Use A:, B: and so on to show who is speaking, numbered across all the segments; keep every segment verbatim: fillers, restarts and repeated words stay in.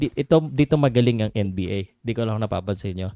A: ito dito magaling ang N B A. Di ko lang napapansin nyo.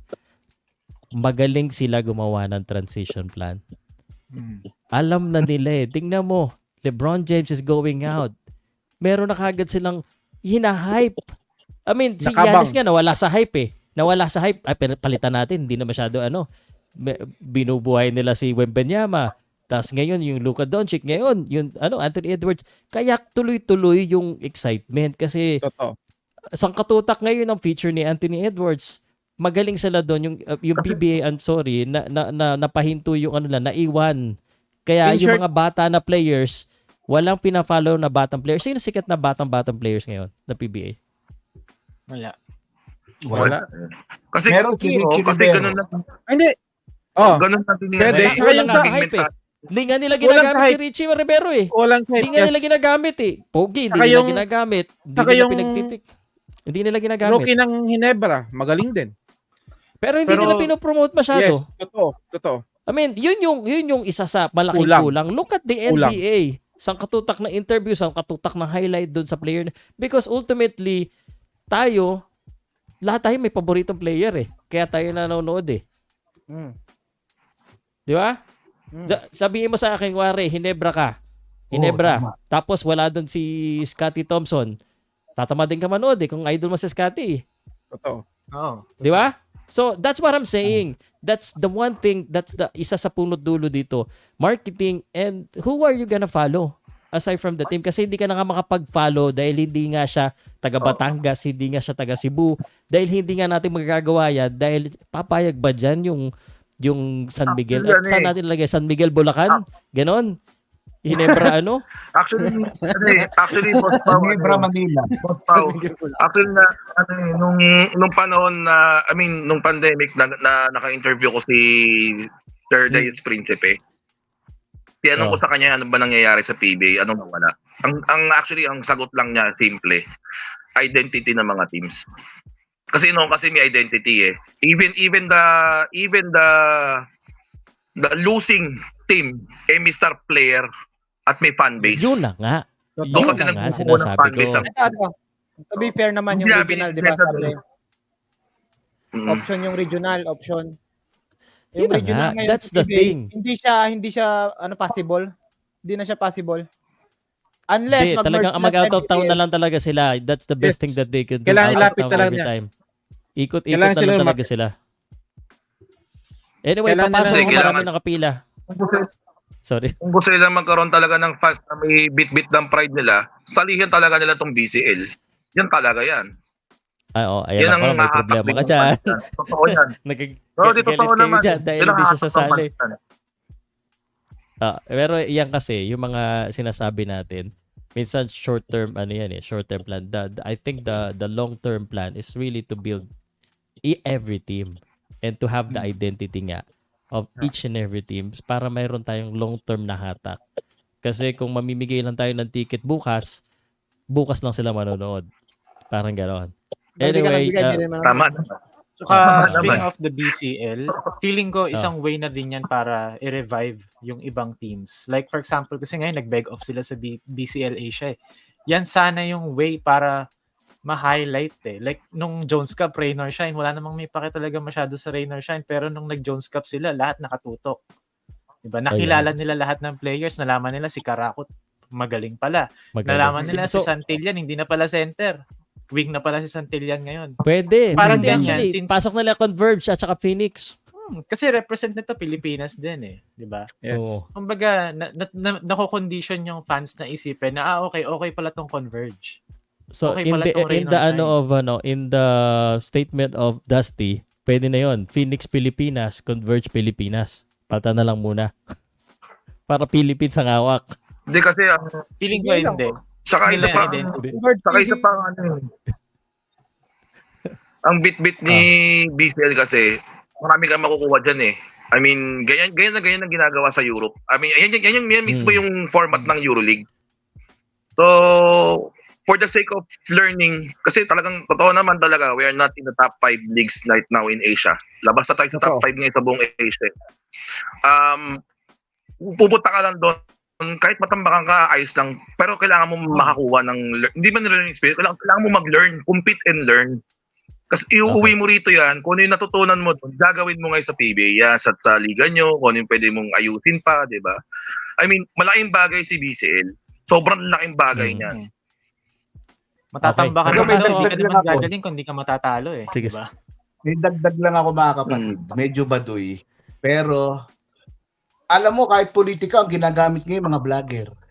A: Magaling sila gumawa ng transition plan.
B: Hmm.
A: Alam na nila eh. Tingnan mo, LeBron James is going out. Meron na kagad silang hina-hype. I mean, si
B: Nakabang.
A: Giannis nga nawala sa hype eh. Nawala sa hype. Ay, palitan natin. Hindi na masyado ano. Binubuhay nila si Wembanyama. Tapos ngayon, yung Luka Doncic. Ngayon, yung ano, Anthony Edwards. Kaya tuloy-tuloy yung excitement. Kasi
B: Totoo.
A: sangkatutak ngayon ang feature ni Anthony Edwards. Magaling sila doon. Yung, uh, yung P B A, I'm sorry, na, na, na, napahinto yung ano lang, naiwan. Kaya
B: In
A: yung
B: short-
A: mga bata na players, walang pina-follow na batang players. Sino sikat na batang-batang players ngayon na P B A?
C: Wala.
D: Wala.
E: Kasi,
D: Meron si
E: oh,
D: Ricky
E: kasi
D: Rivero.
E: ganun lang.
B: Hindi. Oh,
E: Ganun natin yun.
B: Pwede.
A: Wala,
B: Saka
A: wala
B: yung
A: nga
B: sa
A: sa hype eh. Hindi nga nila
B: Walang
A: ginagamit
B: sa
A: si
B: hype.
A: Richie Rivero eh.
B: walang
A: Hindi
B: hype.
A: nga nila
B: Yes.
A: ginagamit eh. Pogi, hindi
B: Saka
A: nila
B: yung-
A: ginagamit. Hindi
B: saka
A: nila
B: yung
A: pinagtitik. Hindi nila ginagamit.
B: Rookie ng Hinebra, magaling din.
A: Pero hindi
C: Pero-
A: nila pinopromote masyado.
B: Yes, totoo, totoo.
A: I mean, yun yung yun yung isa sa malaking
B: Kulang.
A: kulang. Look at the N
B: Kulang.
A: B A. Sang katutak na interview, sang katutak na highlight doon sa player. Because ultimately, tayo, lahat tayo may paboritong player eh. Kaya tayo nanonood eh.
C: Mm.
A: Di ba?
C: Mm.
A: Da- Sabihin mo sa akin, wari, Hinebra ka. Hinebra.
D: Oo, tama.
A: Tapos wala doon si Scotty Thompson. Tatama din ka manood eh kung idol mo si Scotty eh.
B: Totoo.
C: Oo.
A: Di ba? So, that's what I'm saying. That's the one thing, that's the isa sa punot dulo dito. Marketing, and who are you gonna follow? Aside from the team. Kasi hindi ka na nga makapag-follow dahil hindi nga siya taga Batangas, hindi nga siya taga Cebu. Dahil hindi nga natin magagawa yan. Dahil papayag ba dyan yung, yung San Miguel?
E: Actually,
A: At saan
E: ano eh.
A: natin lagay? San Miguel, Bulacan? Ganon? Hinebra ano?
E: Actually, ano eh, actually, Boss Pao,
D: Ginebra,
E: ano,
D: Manila.
E: Boss Pao, actually, na, ano eh, nung, nung panahon na, I mean, nung pandemic, na, na naka-interview ko si Sir Dais Principe. Tinanong ko
A: Oh.
E: sa kanya, ano ba nangyayari sa P B A? Anong nawala? Ang, ang actually, ang sagot lang niya, simple, identity ng mga teams. Kasi noon kasi may identity eh. Even even the even the the losing team, eh may star player at may fan base.
A: Yun na nga.
C: Totoo.
A: Yun
E: kasi
A: na nga,
E: nagbubuo ng
A: sinasabi
E: fanbase
A: ko.
E: ang-
C: Ito, ito. To be fair naman yung
E: Hindi
C: regional,
E: namin
C: di ba?
E: isinet
C: Sabi,
E: Mm.
C: option yung regional, option.
A: Yun na nga.
C: ngayon
A: That's
C: sa
A: the
C: P B A,
A: thing.
C: Hindi siya, hindi siya, ano, possible. Hindi na siya possible. Unless,
A: Hindi,
C: mag-merge
A: talagang
C: sila
A: mag-out
C: sa
A: of town
C: M P L.
A: na lang talaga sila. That's the best
B: Yes.
A: thing that they could do.
B: Kailangan
A: Out of
B: ilapit
A: town
B: talaga
A: every
B: niya.
A: time. Ikot-ikot
B: Kailangan
A: na lang
B: sila
A: talaga
B: lumapit.
A: sila. Anyway,
B: Kailangan
A: papasok
E: nila-
A: ko marami
E: Kailangan-
A: nakapila.
E: Kung gusto,
A: Sorry.
E: kung gusto nila magkaroon talaga ng fans na may bit-bit ng pride nila, salihin talaga nila tong B C L. Yan talaga yan.
A: Ay, oh, ayan
E: Yan
A: ako,
E: ang
A: may
E: hahatak
A: problema
E: din
A: ka
E: ng
A: dyan.
E: fans yan. Totoo yan.
A: Nagagalit
E: Pero di totoo
A: kayo
E: naman.
A: dyan dahil
E: Yan ang
A: hindi siya
E: hahatak ng
A: sasali.
E: fans yan.
A: Ah, pero yan kasi, yung mga sinasabi natin, minsan short term, ano yan eh, short term plan. The, the- I think the the long term plan is really to build e- every team and to have the identity nga of each and every team para mayroon tayong long term na hatak. Kasi kung mamimigay lang tayo ng ticket bukas, bukas lang sila manonood. Parang gano'n.
C: Kung hindi ka
A: Anyway,
C: nagbigay,
A: uh,
C: hindi rin manonood.
E: Tama.
C: Ah,
E: Tama
C: Saka, speaking
E: naman.
C: of the B C L, feeling ko isang way na din yan para i-revive yung ibang teams. Like, for example, kasi ngayon nag-beg off sila sa B- BCL Asia eh. Yan sana yung way para ma-highlight eh. Like, nung Jones Cup, Rain or Shine, wala namang may pake talaga masyado sa Rain or Shine. Pero nung nag-Jones Cup sila, lahat nakatutok. Diba? Nakilala
A: yes.
C: nila lahat ng players. Nalaman nila si Karakot magaling pala.
A: magaling.
C: Nalaman nila si
A: So,
C: Santillan, hindi na pala center. Wing na pala si Santillan ngayon.
A: pwede.
C: Parang
A: Pwede
C: ganyan,
A: actually.
C: since-
A: Pasok nila Converge at saka Phoenix.
C: Hmm, kasi represent nito Pilipinas din eh, 'di ba?
B: Yes.
A: Oo.
C: Kumbaga na, na, na, nako-condition yung fans na isipin na ah okay, okay pala tong Converge.
A: So
C: Okay
A: in
C: pala
A: the
C: tong
A: in
C: Rain
A: the
C: or
A: ano
C: Shine.
A: of ano in the statement of Dusty, pwede na 'yon. Phoenix Pilipinas, Converge Pilipinas. Pata na lang muna. Para Philippines ang hawak.
E: Hindi kasi, ang,
C: Feeling ko
B: Hindi lang.
C: hindi.
E: saka
C: Nila
E: isa
C: yung
E: pa,
C: identity.
E: saka isa pa, ano yun. Ang bit-bit ni B C L kasi, marami kang makukuha dyan eh. I mean, ganyan, ganyan na ganyan ang ginagawa sa Europe. I mean, yan, yan, yan, yan, yan mismo
A: Hmm.
E: yung format ng EuroLeague. So, for the sake of learning, kasi talagang totoo naman talaga, we are not in the top five leagues right now in Asia. Labas na tayo sa top
B: Totoo.
E: five ngayon sa buong Asia. Um, pupunta ka lang doon kahit matambakan ka, ayos lang. Pero kailangan mo makakuha ng, lear- hindi man learning experience, kailangan, kailangan mo mag-learn, compete and learn. Kasi iuuwi
A: Okay.
E: mo rito yan, kung ano yung natutunan mo, doon, gagawin mo ngayon sa P B A, yan, sa, sa liga nyo, kung ano yung pwede mong ayusin pa, di ba? I mean, malaking bagay si B C L. Sobrang laking bagay
A: Mm.
E: niya.
C: Matatamba ka
A: Okay.
C: naman,
D: May
C: hindi ka
D: dagdag
C: naman
D: lang ako.
C: gagaling kung hindi ka matatalo eh.
A: Sige.
C: Diba?
D: May dagdag lang ako mga kapatid. Medyo baduy. Pero, alam mo, kahit politika ang ginagamit ngayon mga vlogger.